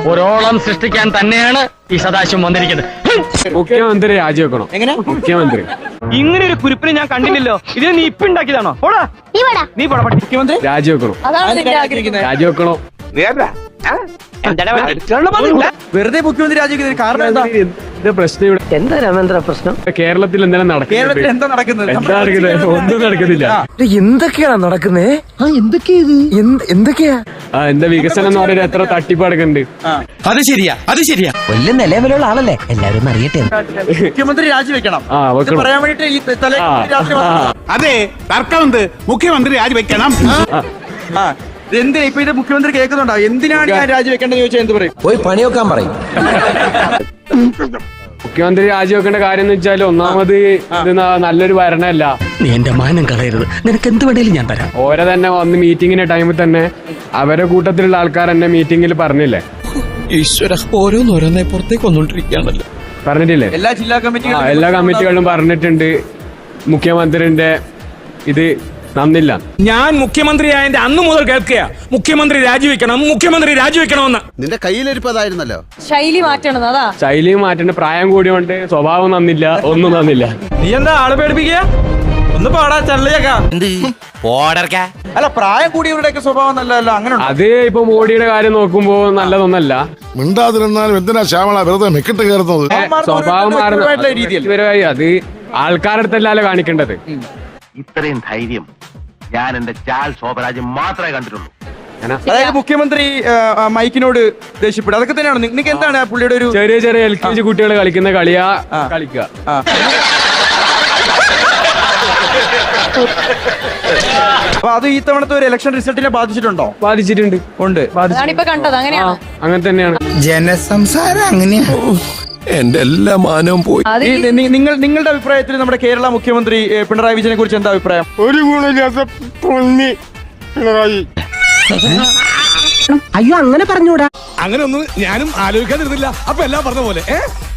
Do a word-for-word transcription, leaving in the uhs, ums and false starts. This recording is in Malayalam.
ഒരോളം സൃഷ്ടിക്കാൻ തന്നെയാണ് ഈ സദാശിവം വന്നിരിക്കുന്നത്. മുഖ്യമന്ത്രി രാജിവെക്കണം. എങ്ങനെ മുഖ്യമന്ത്രി? ഇങ്ങനെ ഒരു കുരിപ്പിനെ ഞാൻ കണ്ടില്ലല്ലോ. ഇത് നീ ഇപ്പൊ ഉണ്ടാക്കിയതാണോ? നീ പോടാ. മുഖ്യമന്ത്രി രാജിവെക്കണം. രാജിവെക്കണോ? വെറുതെ മുഖ്യമന്ത്രി രാജിവെക്കുന്നതിന് കാരണം എന്താ? ഇത് പ്രശ്നം ഇവിടെ എന്താ രാമേന്ദ്ര പ്രശ്നം? കേരളത്തിൽ എന്തെങ്കിലും നടക്കുന്നത്? കേരളത്തിൽ എന്താ നടക്കുന്നത്? എന്താ നടക്കുന്നത്? ഒന്നും നടക്കുന്നില്ല. എന്തൊക്കെയാണ് നടക്കുന്നേ? ആ എന്തൊക്കെയാ എന്തൊക്കെയാ ആ എന്താ വികസനം എന്ന് പറയുന്നത്? എത്ര തട്ടിപ്പ് നടക്കുന്നുണ്ട്. അത് ശരിയാ, അത് ശരിയാ. വലിയ നിലവിലുള്ള ആളല്ലേ, എല്ലാവരും അറിയട്ടെ. മുഖ്യമന്ത്രി രാജിവെക്കണം ആ വെക്കണം. പറയാൻ വേണ്ടിട്ട് ഈ തലേ രാത്രി വന്നതാ. അതെ, തർക്കമുണ്ട്. മുഖ്യമന്ത്രി രാജിവെക്കണം. ആ എന്തിനാ ഇപ്പൊ ഇത് മുഖ്യമന്ത്രി കേൾക്കുന്നുണ്ടോ? എന്തിനാണ് ഞാൻ രാജിവെക്കേണ്ടത് ചോദിച്ചാൽ എന്ത് പറയും? പോയി പണിയൊക്കാൻ പറയും. മുഖ്യമന്ത്രി രാജിവെക്കേണ്ട കാര്യം എന്ന് വെച്ചാൽ ഒന്നാമത് ഇത് ന- നല്ലൊരു ഭരണമല്ല. നീ എന്റെ മാനം കളയരുത്, നിനക്ക് എന്ത് വേണേലും ഞാൻ തരാം. ഓരെ തന്നെ വന്ന് മീറ്റിങ്ങിന്റെ ടൈമിൽ തന്നെ അവരെ കൂട്ടത്തിലുള്ള ആൾക്കാർ തന്നെ മീറ്റിംഗിൽ പറഞ്ഞില്ലേ? ഈശ്വര, ഓരോന്നോരോന്നെ പുറത്തേക്ക് വന്നോണ്ടിരിക്കുകയാണല്ലോ. പറഞ്ഞിട്ടില്ലേ? എല്ലാ ജില്ലാ ആ കമ്മിറ്റികളും എല്ലാ കമ്മിറ്റികളിലും പറഞ്ഞിട്ടുണ്ട് മുഖ്യമന്ത്രിന്റെ ഇത് നന്നില്ല. ഞാൻ മുഖ്യമന്ത്രിയായതിന്റെ അന്ന് മുതൽ കേൾക്കുക മുഖ്യമന്ത്രി രാജിവെക്കണം, മുഖ്യമന്ത്രി രാജിവെക്കണമെന്ന്. നിന്റെ കയ്യിലിരിപ്പതായിരുന്നല്ലോ. ശൈലി മാറ്റണം, അതാ ശൈലിയും മാറ്റേണ്ട, പ്രായം കൂടിയോണ്ട് സ്വഭാവം നന്നില്ല, ഒന്നും നന്നില്ല. നീ എന്താ ആളെ പേടിപ്പിക്കുക? ഒന്ന് പാടാ ചള്ളിയേക്കാ. അല്ല, പ്രായം കൂടിയവരുടെയൊക്കെ സ്വഭാവം നല്ലതല്ല, അങ്ങനെ ഉണ്ടോ? അത് ഇപ്പൊ മോഡിയുടെ കാര്യം നോക്കുമ്പോ നല്ലതൊന്നല്ല. മിണ്ടാതിരുന്നാലും എന്തിനാ ശ്യാമള വെറുതെ മെക്കിട്ട് കയറുന്നത്? സ്വഭാവം വ്യക്തിപരമായിട്ടുള്ള രീതിയിൽ. മാറുന്ന അത് ആൾക്കാരുടെ അടുത്തല്ലല്ലോ കാണിക്കേണ്ടത്. ഇത്രയും ധൈര്യം ഞാൻ എന്റെ ചാൽ ശോഭരാജ് മാത്രമേ കണ്ടിട്ടുള്ളൂ. അതായത് മുഖ്യമന്ത്രി ആ, ആ, മൈക്കിനോട് ദേഷ്യപ്പെടും, അതൊക്കെ തന്നെയാണ്. നിങ്ങൾക്ക് എന്താണ് ആ പുള്ളിയുടെ ഒരു ചെറിയ ചെറിയ എൽ കെ ജി കുട്ടികൾ കളിക്കുന്ന കളിയാ കളിക്കുക. ആ. അപ്പൊ അത് ഈ തവണത്തെ ഒരു ഇലക്ഷൻ റിസൾട്ടിനെ ബാധിച്ചിട്ടുണ്ടോ? ബാധിച്ചിട്ടുണ്ട്. ഉണ്ട്. അതാണ് ഇപ്പൊ കണ്ടത്. അങ്ങനെയാണ് അങ്ങനെ തന്നെയാണ്. ജനസംസാരം അങ്ങനെയാ. എന്റെ എല്ലാ മാനവും പോയി. അത് ഈ നി- നിങ്ങൾ നിങ്ങളുടെ അഭിപ്രായത്തിൽ നമ്മുടെ കേരള മുഖ്യമന്ത്രി ഏ, പിണറായി വിജയനെ കുറിച്ച് എന്താ അഭിപ്രായം? ഒരു ഗുണമില്ലാത്ത പൊന്നി പിണറായി. അയ്യോ അങ്ങനെ പറഞ്ഞൂടാ. അങ്ങനെ ഒന്നും ഞാനും ആലോചിക്കാതിരുന്നില്ല. അപ്പൊ എല്ലാം പറഞ്ഞ പോലെ ഏഹ്